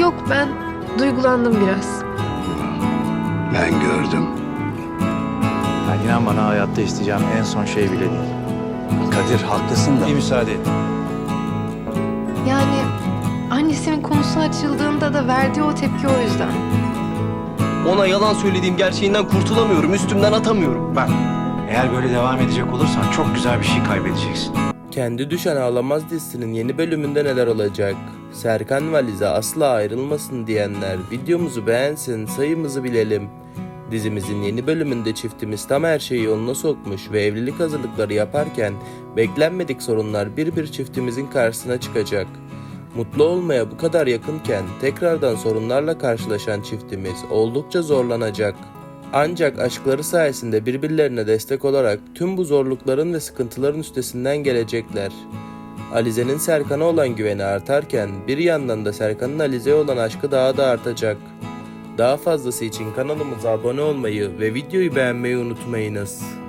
Yok, ben duygulandım biraz. Ben gördüm. Ben inan bana hayatta isteyeceğim en son şey bile değil. Kadir haklısın da. Bir müsaade et. Yani annesinin konusu açıldığında da verdiği o tepki o yüzden. Ona yalan söylediğim gerçeğinden kurtulamıyorum, üstümden atamıyorum. Bak, eğer böyle devam edecek olursan çok güzel bir şey kaybedeceksin. Kendi Düşen Ağlamaz dizisinin yeni bölümünde neler olacak? Serkan ve Alize asla ayrılmasın diyenler videomuzu beğensin, sayımızı bilelim. Dizimizin yeni bölümünde çiftimiz tam her şeyi yoluna sokmuş ve evlilik hazırlıkları yaparken beklenmedik sorunlar bir bir çiftimizin karşısına çıkacak. Mutlu olmaya bu kadar yakınken tekrardan sorunlarla karşılaşan çiftimiz oldukça zorlanacak. Ancak aşkları sayesinde birbirlerine destek olarak tüm bu zorlukların ve sıkıntıların üstesinden gelecekler. Alize'nin Serkan'a olan güveni artarken bir yandan da Serkan'ın Alize'ye olan aşkı daha da artacak. Daha fazlası için kanalımıza abone olmayı ve videoyu beğenmeyi unutmayınız.